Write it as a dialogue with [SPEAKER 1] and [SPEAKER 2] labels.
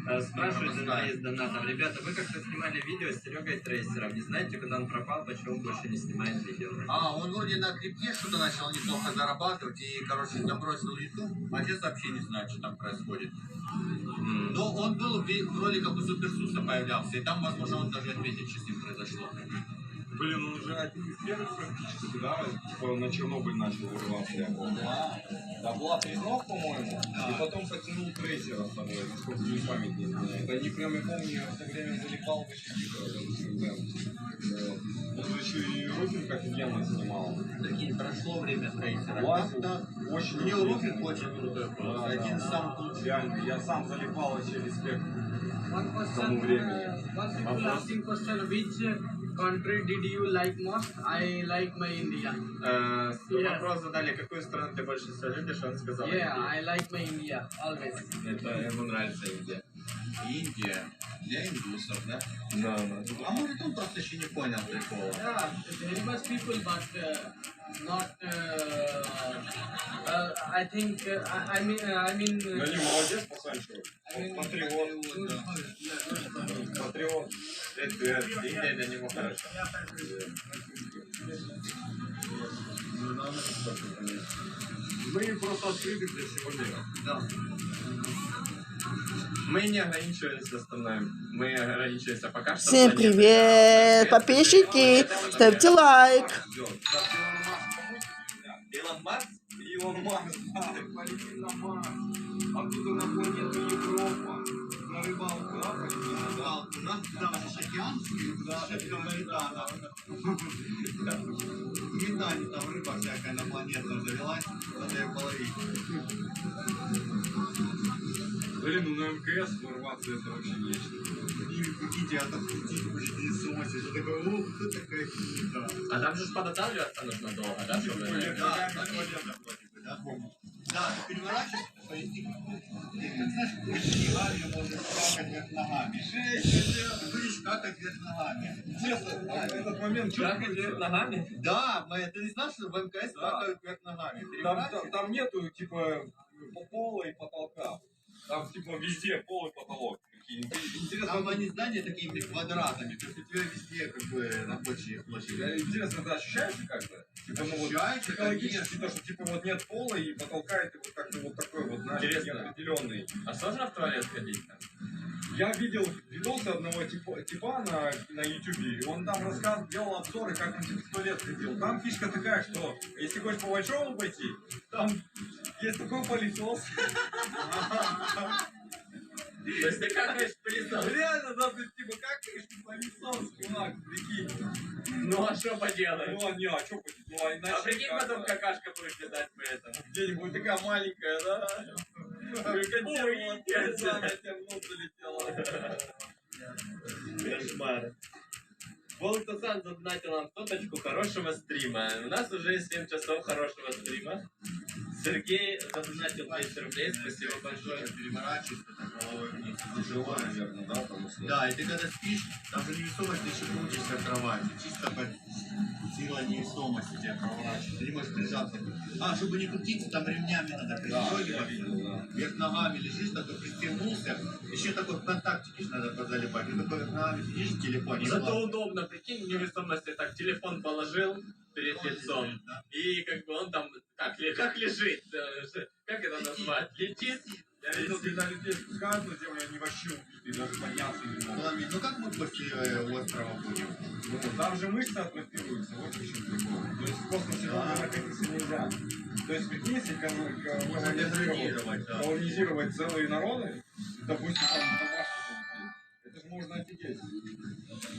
[SPEAKER 1] Спрашивают из донатов. Ребята, вы как-то снимали видео с Серегой Трейсером. Не знаете, куда он пропал, почему он больше не снимает видео?
[SPEAKER 2] Он вроде на крипте что-то начал неплохо зарабатывать и, короче, забросил YouTube. А сейчас вообще не знаю, что там происходит. Но он был вроде как у Суперсуса появлялся, и там, возможно, он даже ответит, что с ним произошло.
[SPEAKER 3] Блин, он уже один из первых практически, да? Типа на Чернобыль начал вырываться.
[SPEAKER 2] Да.
[SPEAKER 3] Да, была Треснов, по-моему, и потом потянул Трейсера с собой, насколько мне память не изменяет. Они прям, я помню, я в то время залипал вообще дико. Он же еще и Руфинг офигенно снимал.
[SPEAKER 2] Прикинь, прошло время Трейсера.
[SPEAKER 3] Да, очень.
[SPEAKER 2] У него Руфинг очень крутой был.
[SPEAKER 3] Да,
[SPEAKER 2] один из самых лучших.
[SPEAKER 3] Реально, я сам залипал вообще респект
[SPEAKER 4] One
[SPEAKER 3] тому времени.
[SPEAKER 4] people asking question, which country did you like most? I like my India.
[SPEAKER 1] Вопрос задали, какую страну ты больше всего любишь, он сказал
[SPEAKER 4] Yeah,
[SPEAKER 1] Индию.
[SPEAKER 4] I like my India always.
[SPEAKER 1] Это ему нравится Индия.
[SPEAKER 2] Индия. Для индусов, да?
[SPEAKER 3] Да, да.
[SPEAKER 2] А может он просто еще не понял прикола?
[SPEAKER 4] Yeah, very much people, but not. I think. I mean.
[SPEAKER 3] Да не, молодец, пацанчик. Патриот. Патриот. Это
[SPEAKER 1] Индия для него хорошо.
[SPEAKER 3] Мы просто открыты для всего мира.
[SPEAKER 2] Да.
[SPEAKER 1] Мы не ограничиваемся остальным. Мы ограничиваемся пока что.
[SPEAKER 5] Всем привет, подписчики! Ставьте лайк!
[SPEAKER 1] Илон Маск?
[SPEAKER 3] Илон Маск, да, полетит на Марс. Оттуда на планету Европа. На рыбалку, да, полетит?
[SPEAKER 2] Да, у нас там же океанский, да, метана. В метане там рыба всякая инопланетная завелась, надо ее половить.
[SPEAKER 3] Блин, ну на МКС ворваться это вообще нечто.
[SPEAKER 2] И прикиньте, а там крутить будете не с ума сойти. Такой, о, кто такая фигня?
[SPEAKER 1] А там же подготавливаться нужно долго, да, чтобы...
[SPEAKER 2] Да, да? Да, ты переворачиваешь, поясни. Ты знаешь, ногами можешь скакать вверх ногами. Ты будешь скакать вверх ногами.
[SPEAKER 3] Честно, этот момент
[SPEAKER 1] Как идет ногами?
[SPEAKER 2] Да, ты не знал, что в МКС скакают вверх ногами?
[SPEAKER 3] Там нету, типа, пола и потолка. Там, типа, везде пол и потолок. Интересно,
[SPEAKER 2] Там они здания такими квадратами, то есть у тебя везде как бы рабочие площади.
[SPEAKER 3] интересно, это ощущается как-то? Типа, ну вот,
[SPEAKER 2] Ощущается,
[SPEAKER 3] психологически,
[SPEAKER 2] конечно.
[SPEAKER 3] то, что типа вот нет пола и потолка, и ты вот как-то вот такой вот, знаешь,
[SPEAKER 1] Интересно.
[SPEAKER 3] неопределенный.
[SPEAKER 1] А сложно в туалет ходить там?
[SPEAKER 3] Я видел видосы одного типа на YouTube, и он там делал обзоры, как он типа в туалет ходил. Там фишка такая, что если хочешь по большому пойти, там есть такой пылесос.
[SPEAKER 1] То есть ты какаешь в пылесос?
[SPEAKER 3] Реально, да, ты типа какаешь пылесос, чувак, прикинь.
[SPEAKER 1] Ну а что поделаешь?
[SPEAKER 3] Ну, не, а что будет? Ну, а иначе
[SPEAKER 1] А прикинь,
[SPEAKER 3] как?
[SPEAKER 1] потом какашка будет летать при этом.
[SPEAKER 3] Где-нибудь такая маленькая, да?
[SPEAKER 1] Ой,
[SPEAKER 3] тебя в нос залетела.
[SPEAKER 1] кошмар. Волтасан задонатил нам соточку хорошего стрима. У нас уже 7 часов хорошего стрима. Сергей задонатил 200 рублей, спасибо большое.
[SPEAKER 2] Переворачиваешься так головой вниз.
[SPEAKER 3] Тяжело, наверное, да, потому что...
[SPEAKER 2] Да, и ты когда спишь, там же невесомость, ты еще крутишься в кровати. Чисто как сила невесомости тебя проворачивает. Ты не можешь прижаться. А, чтобы не крутиться, там ремнями надо пристегиваться. Вверх ногами лежишь, такой пристегнулся. Еще такой в контактике надо позалипать. Ты такой вверх ногами сидишь в телефоне.
[SPEAKER 1] Зато удобно, прикинь, в невесомости так телефон положил перед лицом. И как бы он там как лежит. Как это назвать? Летит.
[SPEAKER 3] Я видел, когда людей спускают на землю, они вообще убиты, даже подняться не могут.
[SPEAKER 2] Ну как мы после острова будем?
[SPEAKER 3] Ну, там же мышцы атрофируются, вот в чем прикол. То есть в космосе находиться нельзя. То есть, прикинь, если колонизировать целые народы, допустим, там домашних, это же можно офигеть.